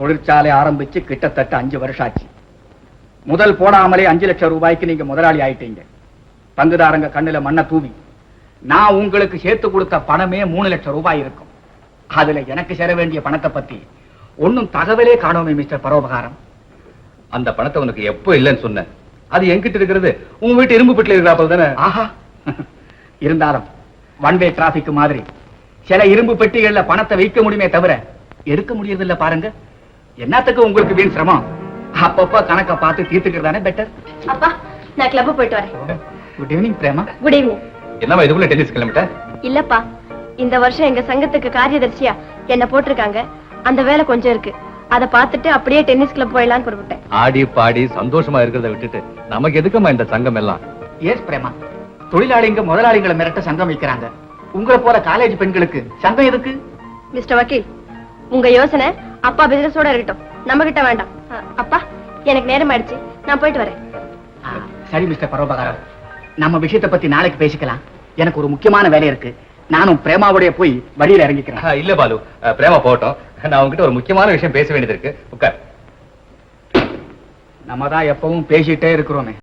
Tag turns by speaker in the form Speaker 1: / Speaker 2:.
Speaker 1: தொழிற்சாலை ஆரம்பிச்சு கிட்டத்தட்ட 5 வருஷம் ஆச்சு. முதல் போடாமலே 5 லட்சம் ரூபாய்க்கு நீங்க முதலாளி ஆயிட்டீங்க. பங்குதாரங்க கண்ணுல மண்ணை தூவி நான் உங்களுக்கு சேர்த்து கொடுத்த பணமே 3 லட்சம் ரூபாய் இருக்கும். அதுல எனக்கு சேர வேண்டிய பணத்தை பத்தி ஒன்னும் தகவலே காணோமே மிஸ்டர் பரோபகாரம்.
Speaker 2: அந்த பணத்தை உனக்கு எப்போ இல்லைன்னு சொன்ன? அது என்கிட்ட இருக்கிறது உங்க வீட்டு இரும்பு பெட்டில இருக்கிறாப்பல் தானே.
Speaker 1: ஆஹா, இருந்தாலும் ஒன் வே டிராபிக் மாதிரி சில இரும்பு பெட்டிகள்ல பணத்தை வைக்க முடியுமே தவிர எடுக்க முடியறது இல்ல பாருங்க. என்னத்துக்கு உங்களுக்கு வீண் சிரமம்? அப்பப்ப கணக்க பார்த்து தீர்த்துக்கிறதானே பெட்டர்.
Speaker 3: அப்பா, நான் கிளப் போயிட்டு வரேன்.
Speaker 1: Good evening Prema.
Speaker 3: Good evening.
Speaker 2: என்னவா இதுக்குள்ள டென்னிஸ் கிளம்பிட்ட?
Speaker 3: இல்லப்பா, இந்த வருஷம் எங்க சங்கத்துக்கு காரியதர்சியா என்ன போட்டிருக்காங்க. அந்த வேலை கொஞ்சம் இருக்கு. அதை பார்த்துட்டு அப்படியே டென்னிஸ் கிளப் போயிடலான்னு புறப்பட்டேன்.
Speaker 2: ஆடி பாடி சந்தோஷமா இருக்கிறத விட்டுட்டு நமக்கு எதுக்குமா இந்த சங்கம் எல்லாம்?
Speaker 1: எஸ் பிரேமா, தொழிலாளிங்க முதலாளிகளை மிரட்ட சங்கம் வைக்கிறாங்க. உங்களை போல காலேஜ் பெண்களுக்கு சங்கம் எதுக்கு?
Speaker 3: மிஸ்டர் வக்கீல், உங்க யோசனை அப்பா பிசினஸோட இருக்கட்டும், நம்ம கிட்ட வேண்டாம். அப்பா, எனக்கு நேரம் ஆயிடுச்சு, நான் போயிட்டு வரேன்.
Speaker 1: சரி மிஸ்டர் பரோபகாரம், நம்ம விஷயத்தை பத்தி நாளைக்கு பேசிக்கலாம். எனக்கு ஒரு முக்கியமான வேலை இருக்கு. நானும் பிரேமாவுடைய போய் வழியில இறங்கிக்கிறேன்.
Speaker 2: இல்ல பாலு, பிரேமா போட்டோம். நான் உங்ககிட்ட ஒரு முக்கியமான விஷயம் பேச வேண்டியது இருக்கு. உட்கார்.
Speaker 1: நம்ம தான் எப்பவும் பேசிட்டே இருக்கிறோமே.